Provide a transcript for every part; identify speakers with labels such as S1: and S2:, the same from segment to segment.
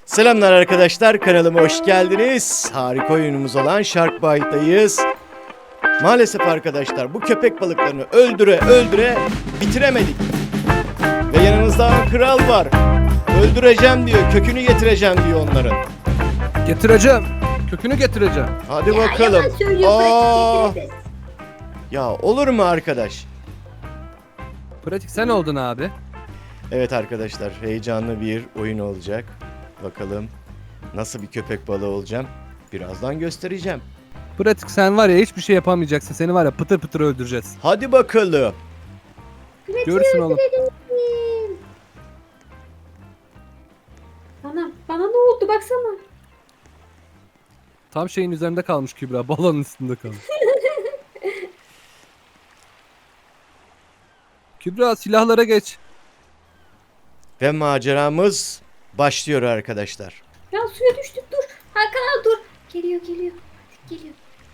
S1: Selamlar arkadaşlar, kanalıma hoş geldiniz. Harika oyunumuz olan Shark Bite'dayız. Maalesef arkadaşlar bu köpek balıklarını öldüre bitiremedik. Ve yanımızda kral var. Öldüreceğim diyor, kökünü getireceğim diyor onların.
S2: Getireceğim. Kökünü getireceğim.
S1: Hadi bakalım.
S3: Yalan söylüyor,
S1: Aa,
S3: pratik.
S1: ya olur mu arkadaş?
S2: Pratik sen oldun abi.
S1: Evet arkadaşlar, heyecanlı bir oyun olacak. Bakalım nasıl bir köpek balığı olacağım. Birazdan göstereceğim.
S2: Pratik sen var ya hiçbir şey yapamayacaksın. Seni var ya pıtır pıtır öldüreceğiz.
S1: Hadi bakalım.
S2: Görürsün oğlum.
S3: Bana ne oldu baksana.
S2: Tam şeyin üzerinde kalmış Kübra. Balonun üstünde kalmış. Kübra silahlara geç.
S1: Ve maceramız başlıyor arkadaşlar.
S3: Ya suya düştük, dur. Hakan abi dur. Geliyor. Geliyor.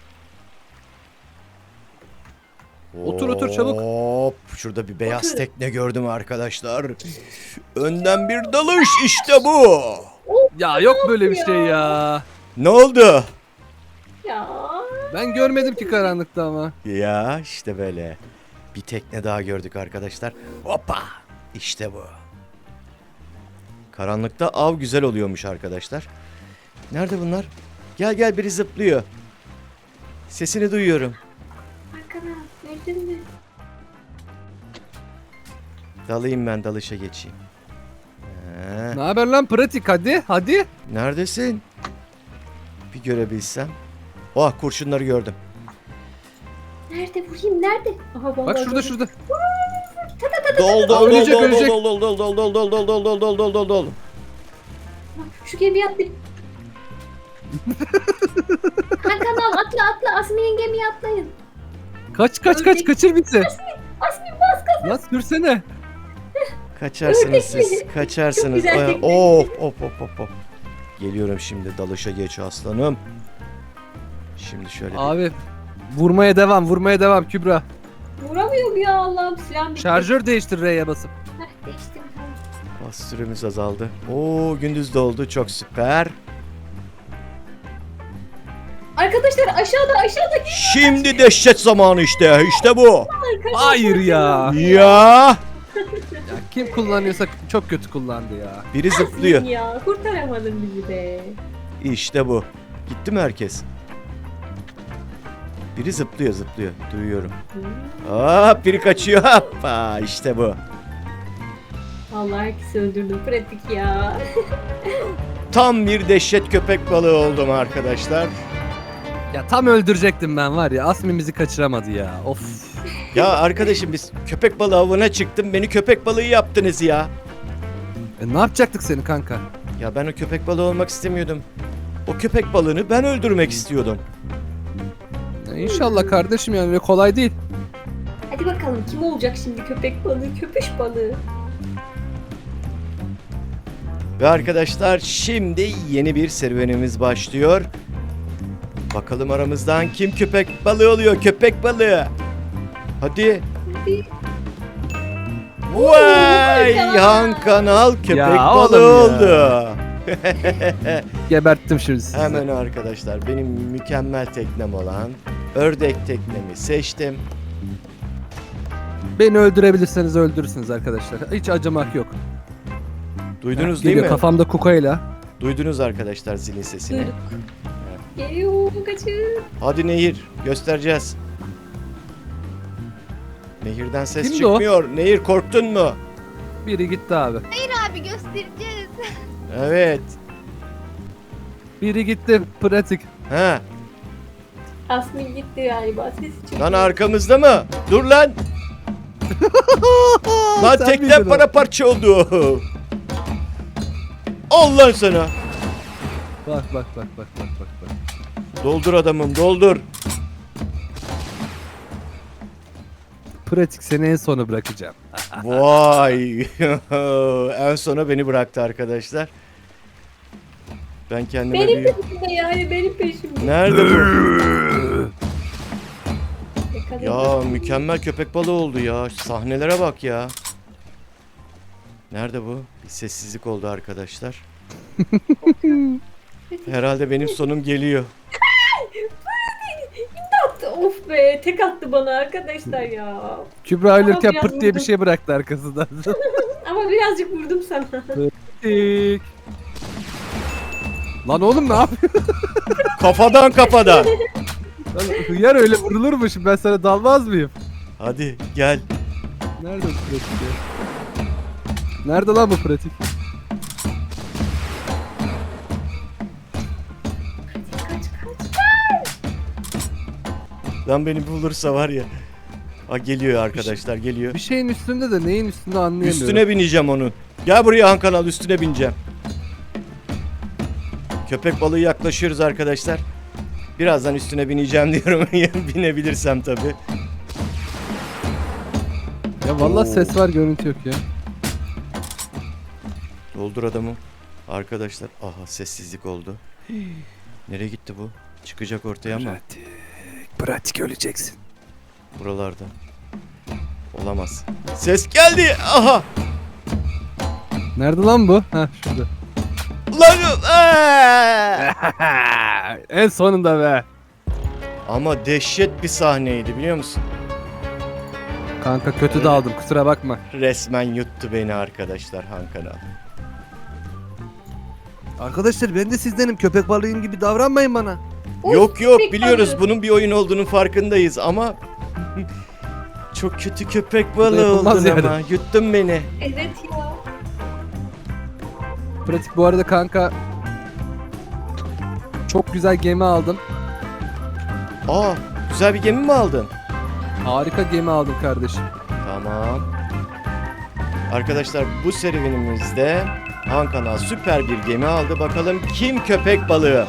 S2: Otur, çabuk.
S1: Hop, şurada bir beyaz
S3: Otur.
S1: tekne gördüm arkadaşlar. Önden bir dalış, işte bu.
S2: Ya yok böyle bir şey ya.
S1: Ne oldu?
S3: Ya.
S2: Ben görmedim ki karanlıkta ama.
S1: Ya işte böyle. Bir tekne daha gördük arkadaşlar. Hoppa, işte bu. Karanlıkta av güzel oluyormuş arkadaşlar. Nerede bunlar? Gel biri zıplıyor. Sesini duyuyorum.
S3: Hakan abi gördün mü?
S1: Dalayım ben, dalışa geçeyim.
S2: Ne haber lan pratik hadi.
S1: Neredesin? Bir görebilsem. Oh, kurşunları gördüm.
S3: Nerede vurayım, nerede? Aha,
S2: Bak
S3: vallahi
S2: şurada.
S3: gördüm.
S1: Dol
S2: Ölecek, ölecek.
S3: Bak, şu gemiye atla. Hakan abi atla. Asmi'nin gemiye atlayın.
S2: Kaç
S3: Ölecek.
S2: kaçır bizi.
S3: Asmi bas gaza.
S2: Lan sürsene.
S1: Kaçarsınız
S3: Ördek
S1: siz.
S3: mi? Çok
S1: Kaçarsınız.
S3: güzel tekne.
S1: Hop. Geliyorum şimdi, dalışa geç aslanım. Şimdi şöyle bir...
S2: Abi vurmaya devam Kübra.
S3: Vuramıyorum ya, Allah'ım, silahım bitti.
S2: Şarjör değiştir R'ye basıp.
S3: Heh, değiştim, tamam.
S1: Bas, süremiz azaldı. Oo, gündüz de oldu, çok süper.
S3: Arkadaşlar aşağıda.
S1: Şimdi dehşet zamanı işte. İşte bu.
S3: Arkadaşlar,
S2: Hayır ya.
S1: Ya.
S2: Ya kim kullanıyorsa çok kötü kullandı ya.
S1: Biri zıplıyor.
S3: Ya kurtaramadın bizi de.
S1: İşte bu. Gitti mi herkes? Biri zıplıyor. Duyuyorum. Hop, biri kaçıyor. Hoppa, işte bu.
S3: Vallahi herkesi öldürdüm, pratik ya.
S1: Tam bir dehşet köpek balığı oldum arkadaşlar.
S2: Ya tam öldürecektim ben var ya. Asmin bizi kaçıramadı ya. Of.
S1: Ya arkadaşım, biz köpek balığı avına çıktım. Beni köpek balığı yaptınız ya.
S2: Ne yapacaktık seni kanka?
S1: Ya ben o köpek balığı olmak istemiyordum. O köpek balığını ben öldürmek istiyordum.
S2: Ya İnşallah kardeşim yani öyle kolay değil.
S3: Hadi bakalım kim olacak şimdi, köpek balığı, köpüş balığı.
S1: Ve arkadaşlar, şimdi yeni bir serüvenimiz başlıyor. Bakalım aramızdan kim köpek balığı oluyor? Köpek balığı. Hadi.
S3: Hadi.
S1: Vay!
S3: Kanal.
S1: Han Kanal köpek
S2: Ya
S1: balığı
S2: oğlum ya.
S1: oldu.
S2: Geberttim şimdi sizi.
S1: Hemen arkadaşlar, benim mükemmel teknem olan ördek teknemi seçtim.
S2: Beni öldürebilirseniz öldürürsünüz arkadaşlar. Hiç acımak yok.
S1: Duydunuz değil
S2: Geliyor
S1: mi?
S2: kafamda kukayla.
S1: Duydunuz arkadaşlar zilin sesini.
S3: Duyduk. Geliyor, kaçın.
S1: Hadi Nehir, göstereceğiz. Nehirden ses
S2: Kimdi o?
S1: çıkmıyor. Nehir, korktun mu?
S2: Biri gitti abi.
S4: Abi göstereceğiz.
S1: Evet.
S2: Biri gitti pratik.
S1: Ha.
S3: Asmi gitti galiba, sesi çıktı.
S1: Lan arkamızda mı? Dur lan. Lan
S2: Sen
S1: teknem
S2: miydin o?
S1: paramparça oldu. Al lan sana.
S2: Bak.
S1: Doldur adamım, doldur.
S2: Pratik seni en sona bırakacağım.
S1: Vay. En sona beni bıraktı arkadaşlar. Ben kendime
S3: Benim
S1: bir...
S3: peşimde yani, benim peşimde.
S1: Nerede bu?
S3: Yakaladım.
S1: Ya mükemmel köpek balığı oldu ya. Sahnelere bak ya. Nerede bu? Bir sessizlik oldu arkadaşlar. Herhalde benim sonum geliyor.
S3: Attı. Of be, tek attı bana arkadaşlar ya.
S2: Kübra ölürken
S3: biraz
S2: pırt diye bir
S3: vurdum.
S2: şey bıraktı arkasından.
S3: Ama birazcık vurdum sana.
S2: Tik. Lan oğlum ne yapıyorsun?
S1: Kafadan.
S2: Lan hıyar öyle vurulur mu şimdi, ben sana dalmaz mıyım?
S1: Hadi gel.
S2: Nerede bu pratik ya? Nerede lan bu pratik?
S3: Kaç.
S1: Lan beni bulursa var ya. Ha, geliyor arkadaşlar, geliyor.
S2: Bir şeyin üstünde de neyin üstünde anlayamıyorum.
S1: Üstüne bineceğim onun. Gel buraya Han Kanal, üstüne bineceğim. Köpek balığı yaklaşıyoruz arkadaşlar. Birazdan üstüne bineceğim diyorum. Binebilirsem tabii.
S2: Ya vallahi
S1: Oo.
S2: ses var, görüntü yok ya.
S1: Doldur adamı. Arkadaşlar, aha sessizlik oldu. Nereye gitti bu? Çıkacak ortaya ama
S2: Pratik öleceksin.
S1: buralarda. Olamaz. Ses geldi. Aha.
S2: Nerede lan bu? Ha şurada.
S1: Lan.
S2: En sonunda be.
S1: Ama dehşet bir sahneydi, biliyor musun?
S2: Kanka kötü daldım, kusura bakma.
S1: Resmen yuttu beni arkadaşlar Han Kanal.
S2: Arkadaşlar ben de sizdenim, köpek balığıyım gibi davranmayın bana.
S3: Of,
S1: Yok
S3: köpek
S1: biliyoruz
S3: balığı.
S1: bunun bir oyun olduğunun farkındayız ama çok kötü köpek balığı
S2: yapılmaz
S1: oldun
S2: yani.
S1: ama yuttun beni.
S3: Evet ya.
S2: Pratik bu arada kanka. Çok güzel gemi aldım.
S1: Aa, güzel bir gemi mi aldın?
S2: Harika gemi aldım kardeşim.
S1: Tamam. Arkadaşlar bu serüvenimizde Han Kanal süper bir gemi aldı. Bakalım kim köpek balığı?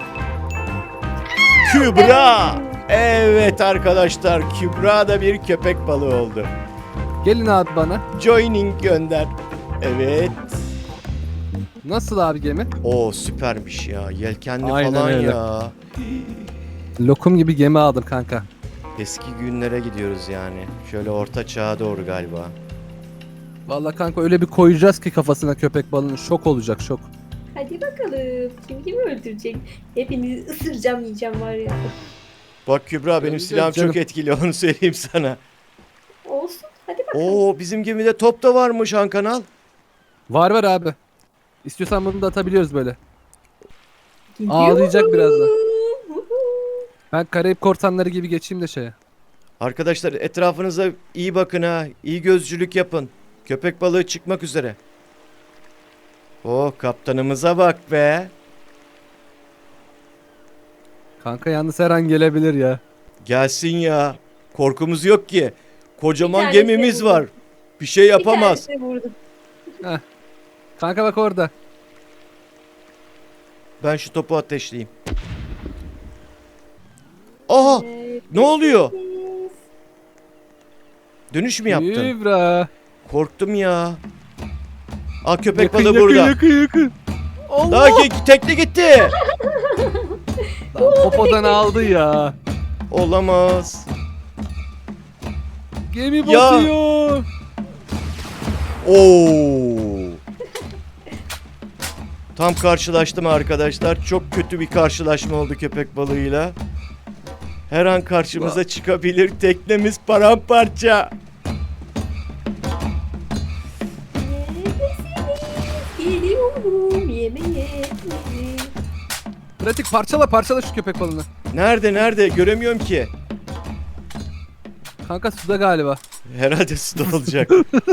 S1: Kübra! Evet arkadaşlar, Kübra da bir köpek balığı oldu.
S2: Gelin abi bana.
S1: Joining gönder. Evet.
S2: Nasıl abi gemi?
S1: O süpermiş ya. Yelkenli
S2: Aynen
S1: falan
S2: öyle.
S1: ya.
S2: Lokum gibi gemi aldım kanka.
S1: Eski günlere gidiyoruz yani. Şöyle orta çağa doğru galiba.
S2: Vallahi kanka öyle bir koyacağız ki kafasına köpek balığının, şok olacak, şok.
S3: Hadi bakalım. Kim kimi öldürecek? Hepinizi ısıracağım, yiyeceğim var ya.
S1: Bak Kübra, benim
S2: Göreceğiz
S1: silahım
S2: canım.
S1: çok etkili, onu söyleyeyim sana.
S3: Olsun. Hadi bakalım.
S1: Oo, bizim gemide top da varmış Han Kanal.
S2: Var abi. İstiyorsan bunu da atabiliyoruz böyle.
S3: Gidiyorum.
S2: ağlayacak birazdan. Ben Karayip korsanları gibi geçeyim de şeye.
S1: Arkadaşlar etrafınıza iyi bakın ha. İyi gözcülük yapın. Köpek balığı çıkmak üzere. Oh, kaptanımıza bak be.
S2: Kanka yalnız her an gelebilir ya.
S1: Gelsin ya. Korkumuz yok ki. Kocaman
S3: Bir tanesini
S1: gemimiz
S3: vurdum.
S1: var. Bir şey yapamaz.
S3: Bir tanesini vurdum.
S2: Kanka bak orada.
S1: Ben şu topu ateşleyeyim. Aha! Ne oluyor? Dönüş mü yaptın?
S2: Kübra.
S1: Korktum ya. Aa, köpek
S2: Yakın,
S1: balığı
S2: yakın,
S1: burada.
S2: yakın. Allah.
S1: Daha tekne gitti.
S2: Lan popodan aldı ya.
S1: Olamaz.
S2: Gemi
S1: Ya.
S2: batıyor.
S1: Oo. Tam karşılaştım arkadaşlar. Çok kötü bir karşılaşma oldu köpek balığıyla. Her an karşımıza çıkabilir. Teknemiz paramparça.
S3: Geliyorum yemeğe.
S2: Pratik parçala şu köpek balığını.
S1: Nerede? Göremiyorum ki.
S2: Kanka suda galiba.
S1: Herhalde suda olacak.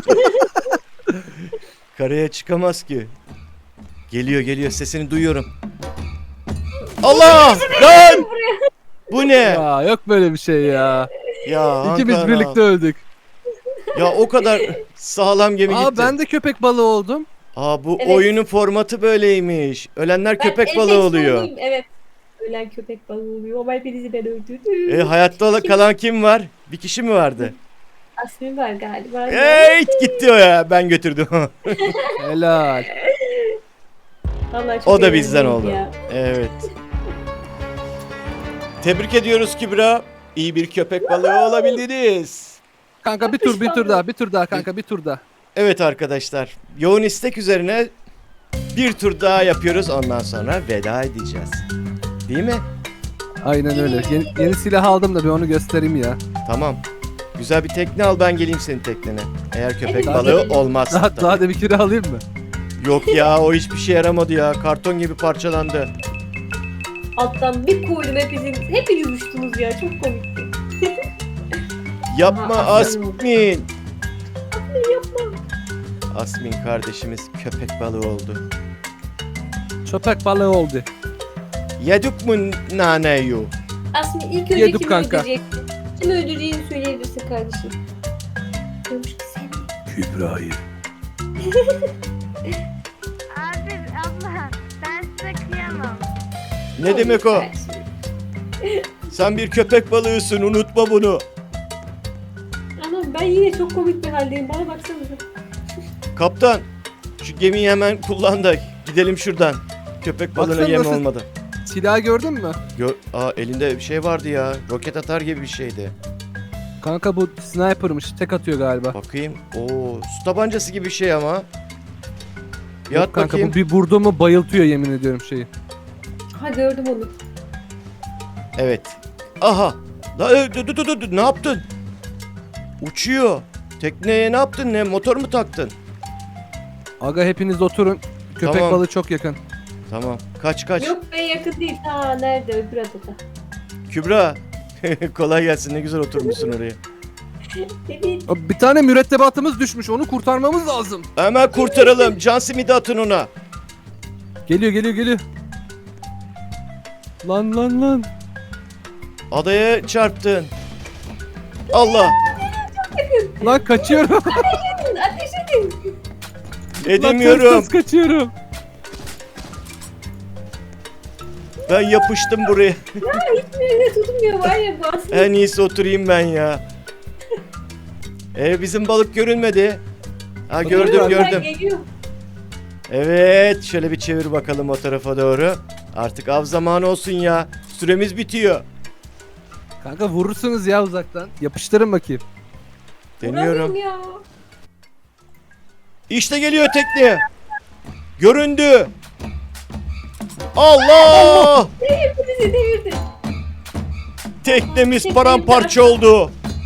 S1: Karaya çıkamaz ki. Geliyor, sesini duyuyorum. Allah! Lan! Bu ne?
S2: Ya yok böyle bir şey ya.
S1: Ya
S2: İkimiz
S1: Hakan
S2: birlikte
S1: abi.
S2: öldük.
S1: Ya o kadar sağlam gemi
S2: Aa
S1: gitti.
S2: ben de köpek balığı oldum.
S1: Aa, bu
S3: Evet.
S1: oyunun formatı böyleymiş. Ölenler
S3: Ben
S1: köpek
S3: en
S1: balığı
S3: tek
S1: oluyor.
S3: sonuyum, evet. Ölen köpek balığı oluyor. Ama hepinizi ben öldürdüm.
S1: Hayatta kalan kim var? Bir kişi mi vardı?
S3: Asmin var galiba.
S1: Evet, gitti o ya. Ben götürdüm.
S2: Helal.
S3: Vallahi çok
S1: O da bizden
S3: eğlenceliydi
S1: oldu.
S3: ya.
S1: Evet. Tebrik ediyoruz Kübra. İyi bir köpek balığı olabildiniz.
S2: Kanka bir tur daha kanka bir tur daha.
S1: Evet arkadaşlar. Yoğun istek üzerine Bir tur daha yapıyoruz, ondan sonra veda edeceğiz. Değil mi?
S2: Aynen öyle. Yeni silah aldım da bir onu göstereyim ya.
S1: Tamam. Güzel bir tekne al, ben geleyim senin teknene. Eğer köpek
S3: Hadi
S1: balığı
S3: bakalım.
S1: olmazsa.
S2: Daha da bir kere alayım mı?
S1: Yok ya, o hiçbir şey yaramadı ya. Karton gibi parçalandı.
S3: Alttan bir koydum hepiniz uçtunuz ya, çok komikti.
S1: Yapma
S3: Aa,
S1: Asmin.
S3: Yapma.
S1: Asmin kardeşimiz köpek balığı oldu.
S2: Köpek balığı oldu.
S1: Yedik mu naneyu?
S3: Asmi ilk önce
S2: Yedim
S3: kimi
S2: kanka.
S3: öldüreceksin? Kimi öldüreceğini söyleyebilirsin kardeşim. Diyormuş ki sen.
S2: Kübra'yı.
S4: Abi abla ben size kıyamam.
S1: Ne demek o? Sen bir köpek balığısın, unutma bunu.
S3: Anam ben yine çok komik bir haldeyim. Bana baksanıza.
S1: Kaptan, şu gemiyi hemen kullan da gidelim şuradan. Köpek balığına
S2: Baksana
S1: yem
S2: nasıl-
S1: olmadı.
S2: Silahı gördün mü?
S1: Elinde bir şey vardı ya. Roket atar gibi bir şeydi.
S2: Kanka bu sniper'mış. Tek atıyor galiba.
S1: Bakayım. Oo, su tabancası gibi bir şey ama. Bir
S2: Yok
S1: at
S2: kanka
S1: bakayım.
S2: bu bir vurdu mu bayıltıyor yemin ediyorum şeyi.
S3: Ha gördüm onu.
S1: Evet. Aha. Dur. Ne yaptın? Uçuyor. Tekneye ne yaptın? Ne motor mu taktın?
S2: Aga hepiniz oturun. Köpek
S1: Tamam.
S2: balığı çok yakın.
S1: Tamam. Kaç.
S3: Yok be yakın değil. Ha nerede öbür adada.
S1: Kübra. Kolay gelsin. Ne güzel oturmuşsun oraya.
S3: Evet.
S2: Abi bir tane mürettebatımız düşmüş. Onu kurtarmamız lazım.
S1: Hemen kurtaralım. Can simidi atın ona.
S2: Geliyor. Lan.
S1: Adaya çarptın. Allah.
S2: Lan kaçıyorum.
S3: Ateş edin.
S1: Edemiyorum.
S2: Lan ters kaçıyorum.
S1: Ben yapıştım buraya.
S3: Hiçbirine tutmuyor var ya bu Asmi.
S1: En iyisi oturayım ben ya. Bizim balık görünmedi. Ha
S3: Geliyor,
S1: gördüm.
S3: geliyor.
S1: Evet, şöyle bir çevir bakalım o tarafa doğru. Artık av zamanı olsun ya. Süremiz bitiyor.
S2: Kanka vurursunuz ya uzaktan. Yapıştırın bakayım.
S1: Deniyorum.
S3: Vuramıyorum ya.
S1: İşte geliyor tekne. Göründü. Allah!
S3: Bizi devirdi.
S1: Teknemiz paramparça oldu.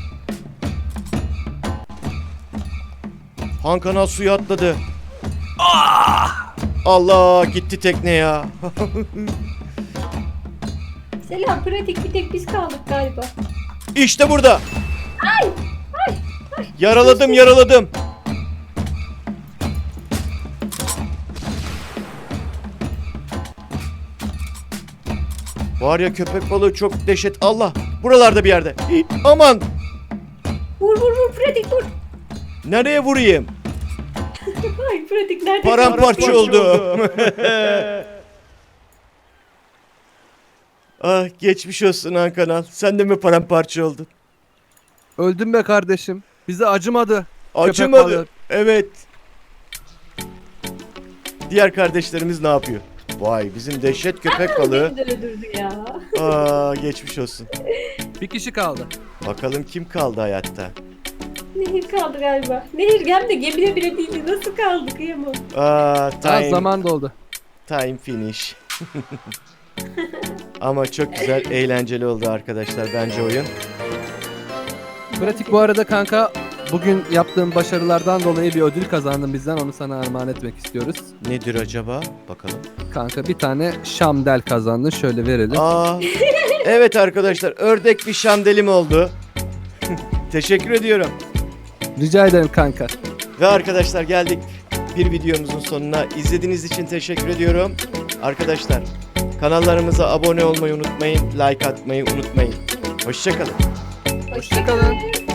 S1: Han Kanal suya atladı. Allah, gitti tekne ya.
S3: Selam pratik bir tek biz kaldık galiba.
S1: İşte burada. Yaraladım. Var ya, köpek balığı çok dehşet. Allah, buralarda bir yerde. Aman,
S3: Vur pratik vur.
S1: nereye vurayım?
S3: Ay pratik nerede?
S1: Paramparça oldu. Ah, geçmiş olsun Han Kanal. Sen de mi paramparça oldun?
S2: Öldüm be kardeşim. Bize acımadı.
S1: Acımadı.
S2: balığı.
S1: Evet. Diğer kardeşlerimiz ne yapıyor? Vay, bizim dehşet köpek balığı.
S3: Beni de öldürdü ya.
S1: Aa, geçmiş olsun.
S2: Bir kişi kaldı.
S1: Bakalım kim kaldı hayatta?
S3: Nehir kaldı galiba. Nehir hem de gemide bile değildi. Nasıl kaldı kıyamam.
S1: Aa,
S2: Az zaman doldu.
S1: time finish. Ama çok güzel, eğlenceli oldu arkadaşlar bence oyun.
S2: Pratik bu arada kanka bugün yaptığım başarılardan dolayı bir ödül kazandın bizden. Onu sana armağan etmek istiyoruz.
S1: Nedir acaba? Bakalım.
S2: Kanka bir tane şamdel kazandın. Şöyle verelim.
S1: Aa, evet arkadaşlar, ördek bir şamdelim oldu. Teşekkür ediyorum.
S2: Rica ederim kanka.
S1: Ve arkadaşlar geldik bir videomuzun sonuna. İzlediğiniz için teşekkür ediyorum. Arkadaşlar kanallarımıza abone olmayı unutmayın. Like atmayı unutmayın. Hoşça kalın.
S3: Hoşçakalın.